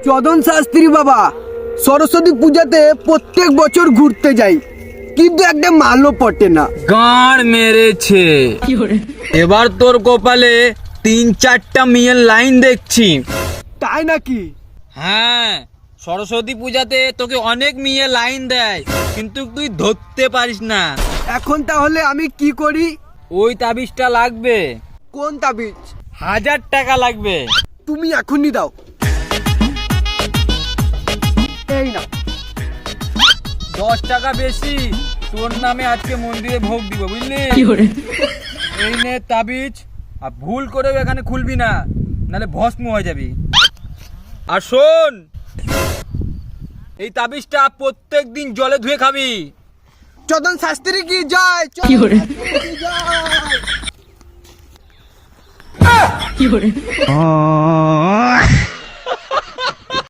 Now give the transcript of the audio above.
চদন শাস্ত্রী বাবা, সরস্বতী পূজাতে প্রত্যেক বছর ঘুরতে যাই, কিন্তু একটা মালও পটে না। গাঁড় মেরেছে। এবার তোর কপালে 3-4টা মেয়ের লাইন দেখছি। তাই নাকি? হ্যাঁ, সরস্বতী পূজাতে তোকে অনেক মেয়ে লাইন দেয়, কিন্তু তুই ধরতে পারিস না। এখন তাহলে আমি কি করি? ওই তাবিজটা লাগবে। কোন তাবিজ? 1000 টাকা লাগবে। তুমি এখনই দাও। এই না, 10 টাকা বেশি, তোর নামে আজকে মন্দিরে ভোগ দিব, বুঝলি? এই নে তাবিজ, আর ভুল করেও এখানে খুলবি না, নালে ভস্ম হয়ে যাবি। আর শোন, এই তাবিজটা প্রত্যেক দিন জলে ধুয়ে খাবি। চদন শাস্ত্রী কি জয়, কি করে? জয়।